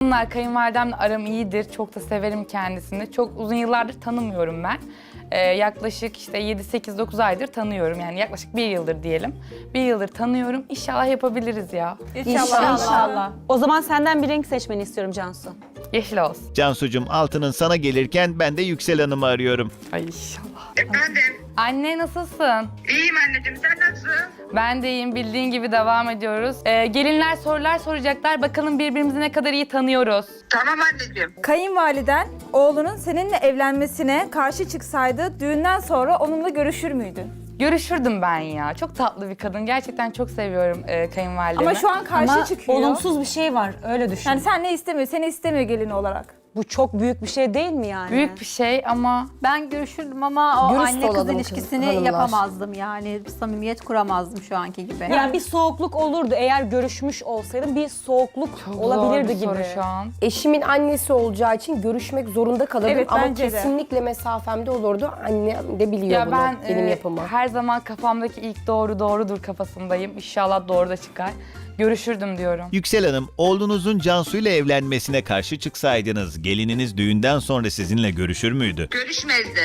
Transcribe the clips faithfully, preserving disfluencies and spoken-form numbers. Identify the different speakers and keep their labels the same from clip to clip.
Speaker 1: Kızımlar, kayınvalidemle aram iyidir. Çok da severim kendisini. Çok uzun yıllardır tanımıyorum ben. Ee, yaklaşık işte yedi sekiz dokuz aydır tanıyorum. Yani yaklaşık bir yıldır diyelim. Bir yıldır tanıyorum. İnşallah yapabiliriz ya.
Speaker 2: İnşallah.
Speaker 3: İnşallah. O zaman senden bir renk seçmeni istiyorum Cansu.
Speaker 1: Yeşil olsun.
Speaker 4: Cansucuğum, altının sana gelirken ben de Yüksel Hanım'ı arıyorum.
Speaker 1: Ay inşallah.
Speaker 5: Efendim?
Speaker 1: Anne nasılsın?
Speaker 5: İyiyim anneciğim, sen nasılsın?
Speaker 1: Ben de iyiyim. Bildiğin gibi devam ediyoruz. Ee, gelinler sorular soracaklar. Bakalım birbirimizi ne kadar iyi tanıyoruz.
Speaker 5: Tamam anneciğim.
Speaker 2: Kayınvaliden oğlunun seninle evlenmesine karşı çıksaydı düğünden sonra onunla görüşür müydün?
Speaker 1: Görüşürdüm ben ya. Çok tatlı bir kadın. Gerçekten çok seviyorum e, kayınvalidemi.
Speaker 2: Ama şu an karşı
Speaker 3: Ama
Speaker 2: çıkıyor.
Speaker 3: olumsuz bir şey var, öyle düşün.
Speaker 2: Yani sen ne istemiyor, seni istemiyor gelin olarak.
Speaker 3: Bu çok büyük bir şey değil mi yani?
Speaker 1: Büyük bir şey ama
Speaker 6: Ben görüşürdüm ama o
Speaker 7: Dürüst
Speaker 6: anne kız
Speaker 7: olalım
Speaker 6: ilişkisini
Speaker 7: kız- hanımlar.
Speaker 6: yapamazdım yani. Samimiyet kuramazdım şu anki gibi.
Speaker 3: Yani bir soğukluk olurdu eğer görüşmüş olsaydım, bir soğukluk
Speaker 1: çok
Speaker 3: olabilirdi
Speaker 1: zor bir
Speaker 3: gibi.
Speaker 1: soru şu an.
Speaker 7: Eşimin annesi olacağı için görüşmek zorunda kalırdım
Speaker 2: Evet,
Speaker 7: ama
Speaker 2: bence de.
Speaker 7: kesinlikle mesafemde olurdu. Annem de biliyor
Speaker 1: Ya
Speaker 7: bunu,
Speaker 1: ben
Speaker 7: benim
Speaker 1: e,
Speaker 7: yapımı.
Speaker 1: her zaman kafamdaki ilk doğru doğrudur kafasındayım. İnşallah doğru da çıkar. Görüşürdüm diyorum.
Speaker 4: Yüksel Hanım, oğlunuzun Cansu ile evlenmesine karşı çıksaydınız, gelininiz düğünden sonra sizinle görüşür müydü?
Speaker 5: Görüşmezdi.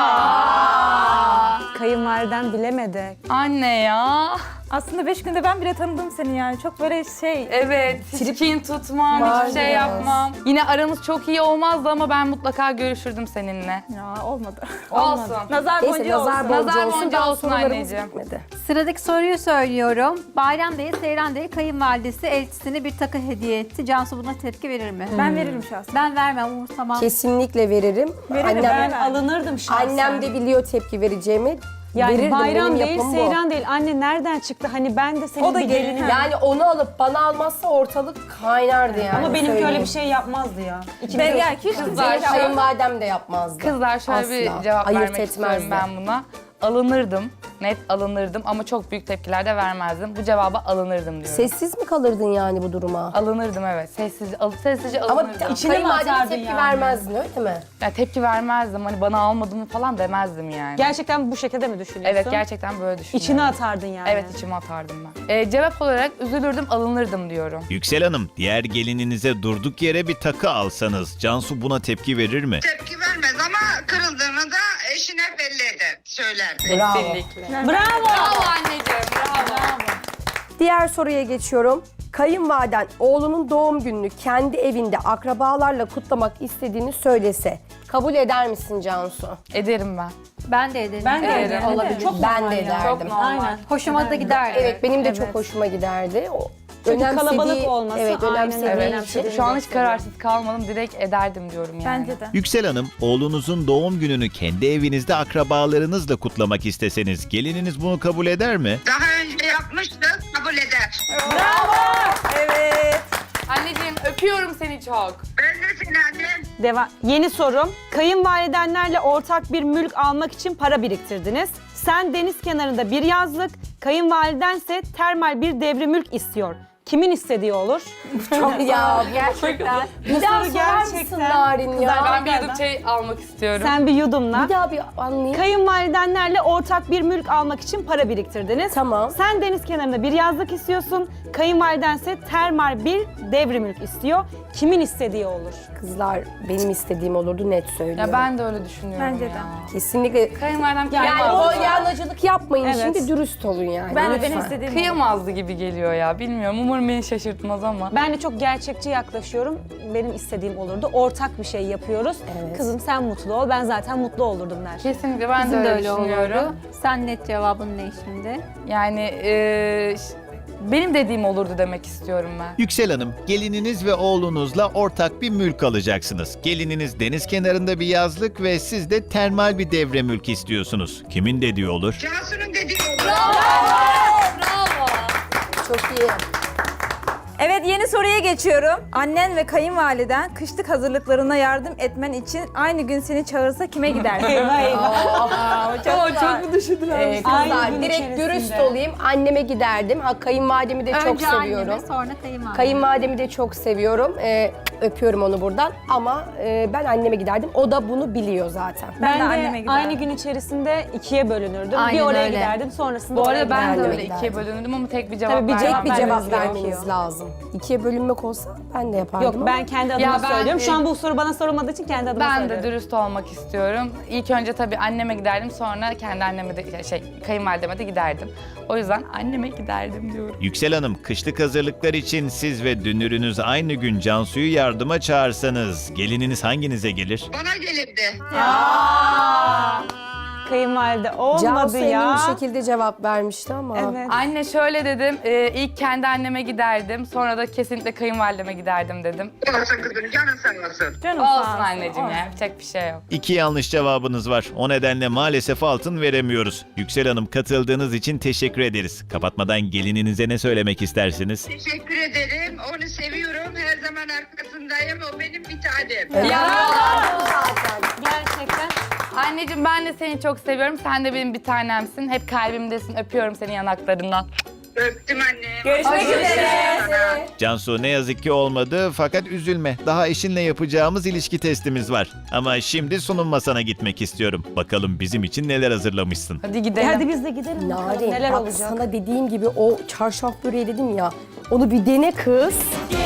Speaker 3: Kayınvaliden bilemedi.
Speaker 1: Anne ya.
Speaker 2: Aslında beş günde ben bile tanıdım seni yani. Çok böyle şey...
Speaker 1: Evet. Hiç kin tutmam,
Speaker 7: Var
Speaker 1: hiçbir şey
Speaker 7: biraz.
Speaker 1: yapmam. Yine aramız çok iyi olmazdı ama ben mutlaka görüşürdüm seninle.
Speaker 2: Ya olmadı.
Speaker 1: Olsun.
Speaker 2: Nazar
Speaker 7: Neyse,
Speaker 2: boncuğu
Speaker 7: nazar
Speaker 2: olsun.
Speaker 7: boncuğu
Speaker 1: Nazar
Speaker 7: olsun.
Speaker 1: boncuğu
Speaker 7: Daha
Speaker 1: olsun
Speaker 7: sorularımız
Speaker 1: anneciğim.
Speaker 7: bitmedi.
Speaker 6: Sıradaki soruyu söylüyorum. Bayram değil, Seyran değil, kayınvalidesi elçisine bir takı hediye etti. Cansu buna tepki verir mi?
Speaker 2: Ben veririm şahsen.
Speaker 6: Ben vermem, umursamam.
Speaker 7: Kesinlikle veririm.
Speaker 2: Veririm,
Speaker 7: Annem,
Speaker 3: Ben
Speaker 2: Ben-
Speaker 3: alınırdım şahsen.
Speaker 7: annem de biliyor tepki vereceğimi.
Speaker 3: yani
Speaker 7: Verirdim,
Speaker 3: bayram
Speaker 7: benim
Speaker 3: değil,
Speaker 7: yapım bu.
Speaker 3: seyran değil. Anne nereden çıktı? Hani ben de senin
Speaker 2: O da
Speaker 3: bir
Speaker 2: gelin,
Speaker 3: gelinim.
Speaker 2: ha.
Speaker 7: Yani onu alıp bana almazsa ortalık kaynardı yani.
Speaker 3: Ama benimki
Speaker 7: söyleyeyim.
Speaker 3: öyle bir şey yapmazdı ya. İkimiz
Speaker 2: Ben
Speaker 3: de-
Speaker 2: yani hiç
Speaker 1: Kızlar,
Speaker 2: kimseye
Speaker 1: şu-
Speaker 7: Kayınvalidem de yapmazdı.
Speaker 1: Kızlar şöyle bir
Speaker 7: Asla.
Speaker 1: cevap
Speaker 7: Ayırt
Speaker 1: vermek istiyorum
Speaker 7: etmezdi.
Speaker 1: ben buna. Alınırdım. Net alınırdım ama çok büyük tepkiler de vermezdim. Bu cevaba alınırdım diyorum.
Speaker 7: Sessiz mi kalırdın yani bu duruma?
Speaker 1: Alınırdım evet. Sessizce, al, sessizce
Speaker 7: Ama
Speaker 1: alınırdım.
Speaker 3: İçine mi
Speaker 7: kayınvalideme
Speaker 3: atardın
Speaker 7: tepki
Speaker 3: yani?
Speaker 7: vermezdin öyle mi?
Speaker 1: Ya tepki vermezdim. Hani bana almadın mı falan demezdim yani.
Speaker 3: Gerçekten bu şekilde mi düşünüyorsun?
Speaker 1: Evet gerçekten böyle düşünüyorum.
Speaker 3: İçine atardın yani.
Speaker 1: Evet içime atardım ben. Ee, cevap olarak üzülürdüm, alınırdım diyorum.
Speaker 4: Yüksel Hanım, diğer gelininize durduk yere bir takı alsanız, Cansu buna tepki verir mi?
Speaker 5: Tepki vermez ama kırıldığını da eşine belli eder, söylerdi.
Speaker 7: Bravo.
Speaker 1: Kesinlikle.
Speaker 3: Bravo.
Speaker 1: Bravo anneciğim, bravo.
Speaker 7: Diğer soruya geçiyorum. Kayınvaliden oğlunun doğum gününü kendi evinde akrabalarla kutlamak istediğini söylese kabul eder misin Cansu?
Speaker 1: Ederim ben.
Speaker 6: Ben de ederim.
Speaker 3: Ben de
Speaker 1: Evet,
Speaker 3: ederim.
Speaker 6: olabilir.
Speaker 3: Çok
Speaker 7: Ben
Speaker 3: normal
Speaker 7: de
Speaker 3: ya.
Speaker 7: ederdim.
Speaker 1: Çok normal.
Speaker 3: Aynen.
Speaker 6: Hoşuma da gider.
Speaker 7: Evet, benim de
Speaker 6: Evet.
Speaker 7: çok hoşuma giderdi. O,
Speaker 3: Çünkü
Speaker 7: önemsediği-
Speaker 3: kalabalık olması,
Speaker 7: Evet,
Speaker 3: aynen
Speaker 7: önemsediği
Speaker 3: öyle.
Speaker 7: için.
Speaker 3: Önemsediği-
Speaker 1: Şu an hiç kararsız kalmadım, direkt ederdim diyorum yani.
Speaker 2: Bence de.
Speaker 4: Yüksel Hanım, oğlunuzun doğum gününü kendi evinizde akrabalarınızla kutlamak isteseniz, gelininiz bunu kabul eder mi?
Speaker 5: Daha önce yapmıştık, kabul eder.
Speaker 2: Evet.
Speaker 1: Anneciğim öpüyorum seni çok.
Speaker 5: Ben de seni annem.
Speaker 3: Deva Yeni sorum. Kayınvalidenlerle ortak bir mülk almak için para biriktirdiniz. Sen deniz kenarında bir yazlık, kayınvalidense termal bir devre mülk istiyor. Kimin istediği olur?
Speaker 7: Çok ya.
Speaker 6: Gerçekten.
Speaker 7: Bir daha
Speaker 3: soru
Speaker 7: sorar mısın
Speaker 3: gerçekten-
Speaker 7: Narin ya?
Speaker 1: Ben bir yudum çay almak istiyorum.
Speaker 3: Sen bir yudumla.
Speaker 7: Bir daha bir anlayayım.
Speaker 3: Kayınvalidenlerle ortak bir mülk almak için para biriktirdiniz.
Speaker 7: Tamam.
Speaker 3: Sen deniz kenarında bir yazlık istiyorsun. Kayınvalidense termal bir devre mülk istiyor. Kimin istediği olur?
Speaker 7: Kızlar benim istediğim olurdu, net söylüyorum.
Speaker 1: Ya ben de öyle düşünüyorum
Speaker 2: Bence de.
Speaker 1: ya.
Speaker 7: Kesinlikle.
Speaker 1: Kayınvalidem
Speaker 7: Yani
Speaker 1: kıyamazdı.
Speaker 7: polyanacılık yapmayın
Speaker 3: Evet.
Speaker 7: şimdi, dürüst olun yani.
Speaker 2: Ben de
Speaker 7: lütfen.
Speaker 2: benim istediğim olur.
Speaker 1: Kıyamazdı gibi geliyor ya. Bilmiyorum. Umarım beni şaşırtmaz ama.
Speaker 3: Ben de çok gerçekçi yaklaşıyorum. Benim istediğim olurdu. Ortak bir şey yapıyoruz.
Speaker 7: Evet.
Speaker 3: Kızım sen mutlu ol, ben zaten mutlu olurdum der.
Speaker 1: Kesinlikle ben
Speaker 6: Bizim
Speaker 1: de
Speaker 6: de
Speaker 1: öyle,
Speaker 6: öyle
Speaker 1: düşünüyorum.
Speaker 6: olurdu. Sen net cevabın ne şimdi?
Speaker 1: Yani e, ş- benim dediğim olurdu demek istiyorum ben.
Speaker 4: Yüksel Hanım, gelininiz ve oğlunuzla ortak bir mülk alacaksınız. Gelininiz deniz kenarında bir yazlık ve siz de termal bir devre mülk istiyorsunuz. Kimin dediği olur?
Speaker 5: Cansu'nun dediği olur.
Speaker 7: Çok iyi.
Speaker 2: Evet, yeni soruya geçiyorum. Annen ve kayınvaliden kışlık hazırlıklarına yardım etmen için aynı gün seni çağırsa kime giderdin?
Speaker 3: Eyvah eyvah.
Speaker 2: çok, çok mu düşündün?
Speaker 7: Ee,
Speaker 3: Aynı
Speaker 7: kızlar
Speaker 3: gün
Speaker 7: direkt
Speaker 3: içerisinde.
Speaker 7: dürüst olayım. Anneme giderdim. Ha, kayınvalidemi de çok
Speaker 6: Önce
Speaker 7: seviyorum.
Speaker 6: anneme sonra kayınvalideme.
Speaker 7: Kayınvalidemi de çok seviyorum. Ee, Öpüyorum onu buradan ama e, ben anneme giderdim. O da bunu biliyor zaten.
Speaker 2: Ben de
Speaker 3: Ben
Speaker 2: anneme
Speaker 3: de
Speaker 2: giderdim.
Speaker 3: aynı gün içerisinde ikiye bölünürdüm.
Speaker 6: Aynen
Speaker 3: bir oraya
Speaker 6: öyle.
Speaker 3: giderdim, sonrasında
Speaker 1: Bu
Speaker 3: oraya
Speaker 1: arada ben de
Speaker 3: giderdim.
Speaker 1: öyle
Speaker 7: giderdim.
Speaker 1: ikiye bölünürdüm ama tek bir cevap
Speaker 3: Tabii bir
Speaker 1: vermem
Speaker 3: cevap
Speaker 7: Bir
Speaker 1: lazım.
Speaker 7: cevap
Speaker 3: vermeniz
Speaker 7: vermeniz
Speaker 3: gerekiyor.
Speaker 7: lazım. İkiye bölünmek olsa ben de yapardım
Speaker 3: Yok
Speaker 7: ama.
Speaker 3: ben kendi adıma
Speaker 1: Ya ben-
Speaker 3: söylüyorum. Şu an bu soru bana sorulmadığı için kendi adıma
Speaker 1: Ben de
Speaker 3: söylüyorum.
Speaker 1: dürüst olmak istiyorum. İlk önce tabii anneme giderdim, sonra kendi anneme de şey kayınvalideme de giderdim. O yüzden anneme giderdim diyorum.
Speaker 4: Yüksel Hanım, kışlık hazırlıklar için siz ve dünürünüz aynı gün Cansu'yu yardıma çağırsanız gelininiz hanginize gelir?
Speaker 5: Bana gelirdi.
Speaker 3: Kayınvalide olmadı
Speaker 7: Cansu emin
Speaker 3: ya.
Speaker 7: bir şekilde cevap vermişti ama.
Speaker 3: Evet.
Speaker 1: Anne şöyle dedim, e, ilk kendi anneme giderdim, sonra da kesinlikle kayınvalideme giderdim dedim.
Speaker 5: Olsun kızım canın sağ olsun.
Speaker 2: Canım sağ
Speaker 1: Olsun
Speaker 2: olsun.
Speaker 1: anneciğim ya, yapacak bir şey yok.
Speaker 4: İki yanlış cevabınız var. O nedenle maalesef altın veremiyoruz. Yüksel Hanım, katıldığınız için teşekkür ederiz. Kapatmadan gelininize ne söylemek istersiniz?
Speaker 5: Teşekkür ederim. Onu seviyorum. Her zaman arkasındayım. O benim bir tanem.
Speaker 3: Gerçekten.
Speaker 1: Anneciğim ben de seni çok seviyorum, sen de benim bir tanemsin. Hep kalbimdesin, öpüyorum seni yanaklarından.
Speaker 5: Öptüm anne.
Speaker 2: Görüşmek üzere.
Speaker 4: Cansu, ne yazık ki olmadı fakat üzülme. Daha eşinle yapacağımız ilişki testimiz var. Ama şimdi sunum masana gitmek istiyorum. Bakalım bizim için neler hazırlamışsın.
Speaker 1: Hadi
Speaker 3: E
Speaker 1: gidelim.
Speaker 3: hadi biz de gidelim bakalım
Speaker 7: Narin
Speaker 3: neler
Speaker 7: bak
Speaker 3: olacak.
Speaker 7: sana dediğim gibi o çarşaf böreği dedim ya. Onu bir dene kız.